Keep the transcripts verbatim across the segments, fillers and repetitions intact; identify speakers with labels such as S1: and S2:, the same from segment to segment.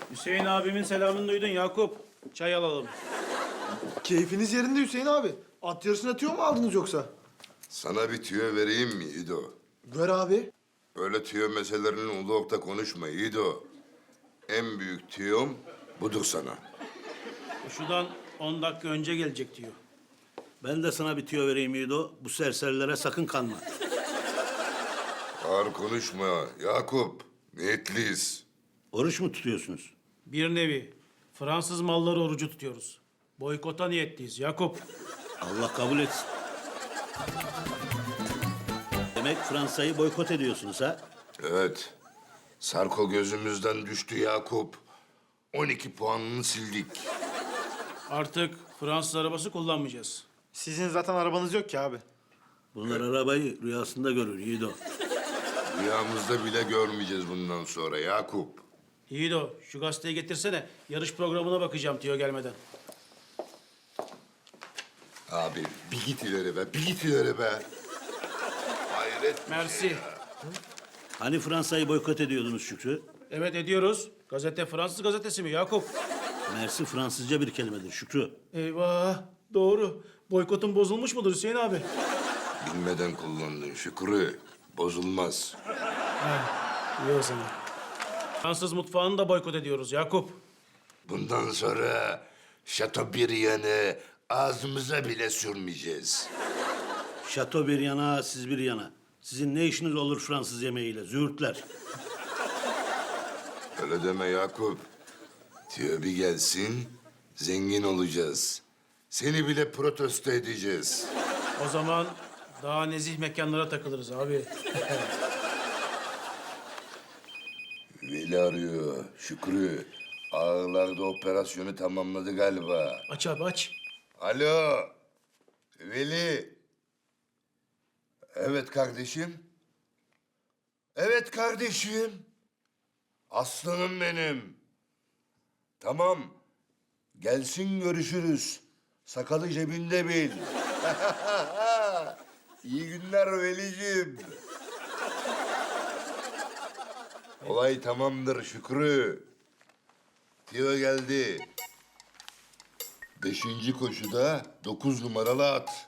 S1: Hüseyin abimin selamını duydun Yakup. Çay alalım.
S2: Keyfiniz yerinde Hüseyin abi. At yarışına tüyo mu aldınız yoksa?
S3: Sana bir tüyo vereyim mi İdo?
S2: Ver abi.
S3: Böyle tüyo meselelerini ulu orta konuşma İdo. En büyük tüyom budur sana.
S1: Şuradan on dakika önce gelecek diyor.
S4: Ben de sana bir tüyo vereyim Yiğido. Bu serserilere sakın kanma.
S3: Ağır konuşma Yakup. Niyetliyiz.
S4: Oruç mu tutuyorsunuz?
S1: Bir nevi Fransız malları orucu tutuyoruz. Boykota niyetliyiz Yakup.
S4: Allah kabul etsin. Demek Fransa'yı boykot ediyorsunuz ha?
S3: Evet. Sarko gözümüzden düştü Yakup. on iki puanını sildik.
S1: Artık Fransız arabası kullanmayacağız.
S2: Sizin zaten arabanız yok ki abi.
S4: Bunlar arabayı rüyasında görür Yiğido.
S3: Rüyamızda bile görmeyeceğiz bundan sonra Yakup.
S1: İyi de o. Şu gazeteyi getirsene. Yarış programına bakacağım diyor gelmeden.
S3: Abi bir git ileri be, bir git ileri be. Hayret.
S1: Mersi.
S4: Hani Fransa'yı boykot ediyordunuz Şükrü?
S1: Evet ediyoruz. Gazete Fransız gazetesi mi Yakup?
S4: Mersi Fransızca bir kelimedir Şükrü.
S1: Eyvah. Doğru. Boykotun bozulmuş mudur Hüseyin abi?
S3: Bilmeden kullandın Şükrü. Bozulmaz.
S1: İyi o zaman. Fransız mutfağını da boykot ediyoruz Yakup.
S3: Bundan sonra Şatobriand'ı ağzımıza bile sürmeyeceğiz.
S4: Şato bir yana, siz bir yana. Sizin ne işiniz olur Fransız yemeğiyle? Züğürtler.
S3: Öyle deme Yakup. Tüyo bir gelsin, zengin olacağız. Seni bile protesto edeceğiz.
S1: O zaman daha nezih mekanlara takılırız abi.
S3: Veli arıyor, Şükrü. Ağırlarda operasyonu tamamladı galiba.
S1: Aç abi aç.
S3: Alo, Veli. Evet kardeşim. Evet kardeşim. Aslanım benim. Tamam. Gelsin görüşürüz. Sakalı cebinde bil. İyi günler Veli'cim. Olay tamamdır Şükrü. Tio geldi. Beşinci koşuda dokuz numaralı at.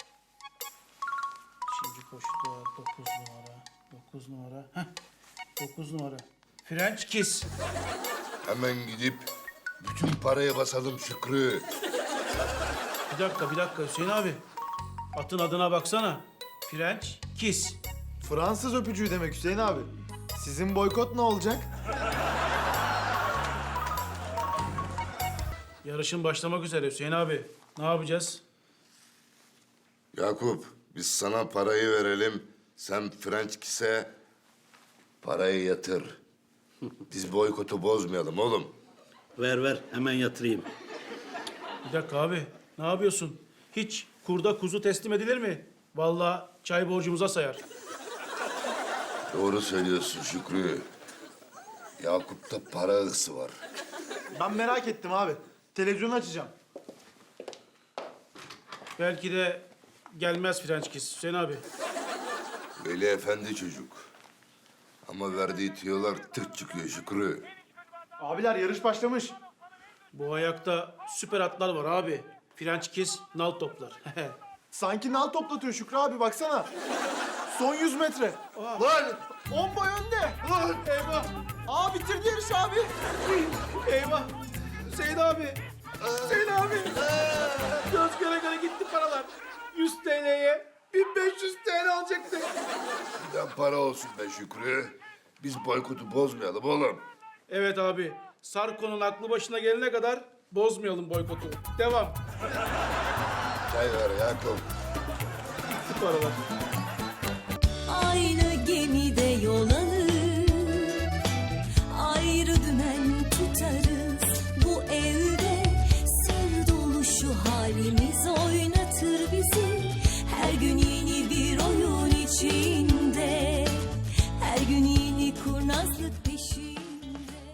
S1: Şimdi koşuda dokuz numara. Dokuz numara. Heh. Dokuz numara. French Kiss.
S3: Hemen gidip bütün paraya basalım Şükrü.
S1: Bir dakika bir dakika Hüseyin abi. Atın adına baksana. French Kiss.
S2: Fransız öpücüğü demek Hüseyin abi. Sizin boykot ne olacak?
S1: Yarışın başlamak üzere Hüseyin abi. Ne yapacağız?
S3: Yakup, biz sana parayı verelim. Sen French Kiss'e parayı yatır. Biz boykotu bozmayalım oğlum.
S4: Ver ver, hemen yatırayım.
S1: Bir dakika abi. Ne yapıyorsun? Hiç kurda kuzu teslim edilir mi? Vallahi çay borcumuza sayar.
S3: Doğru söylüyorsun Şükrü. Yakup'ta para hırsı var.
S2: Ben merak ettim abi. Televizyonu açacağım.
S1: Belki de gelmez French Kiss Hüseyin abi.
S3: Veli efendi çocuk. Ama verdiği tüyolar tırt çıkıyor Şükrü.
S2: Abiler yarış başlamış.
S1: Bu ayakta süper atlar var abi. French Kiss nal toplar.
S2: Sanki nal toplatıyor Şükrü abi baksana. Son yüz metre. Lan! On boy önde. Lan!
S1: Eyvah!
S2: Aa bitirdi yarış abi.
S1: Eyvah! Hüseyin abi! Hüseyin abi! Göz göre göre gitti paralar. yüz T L'ye bin beş yüz T L alacaktık.
S3: Giden para olsun be Şükrü. Biz boykotu bozmayalım oğlum.
S1: Evet abi. Sarko'nun aklı başına gelene kadar bozmayalım boykotu. Devam.
S3: Çay ver Yakup.
S1: Gitti paralar.
S5: Aynı gemide yol alır.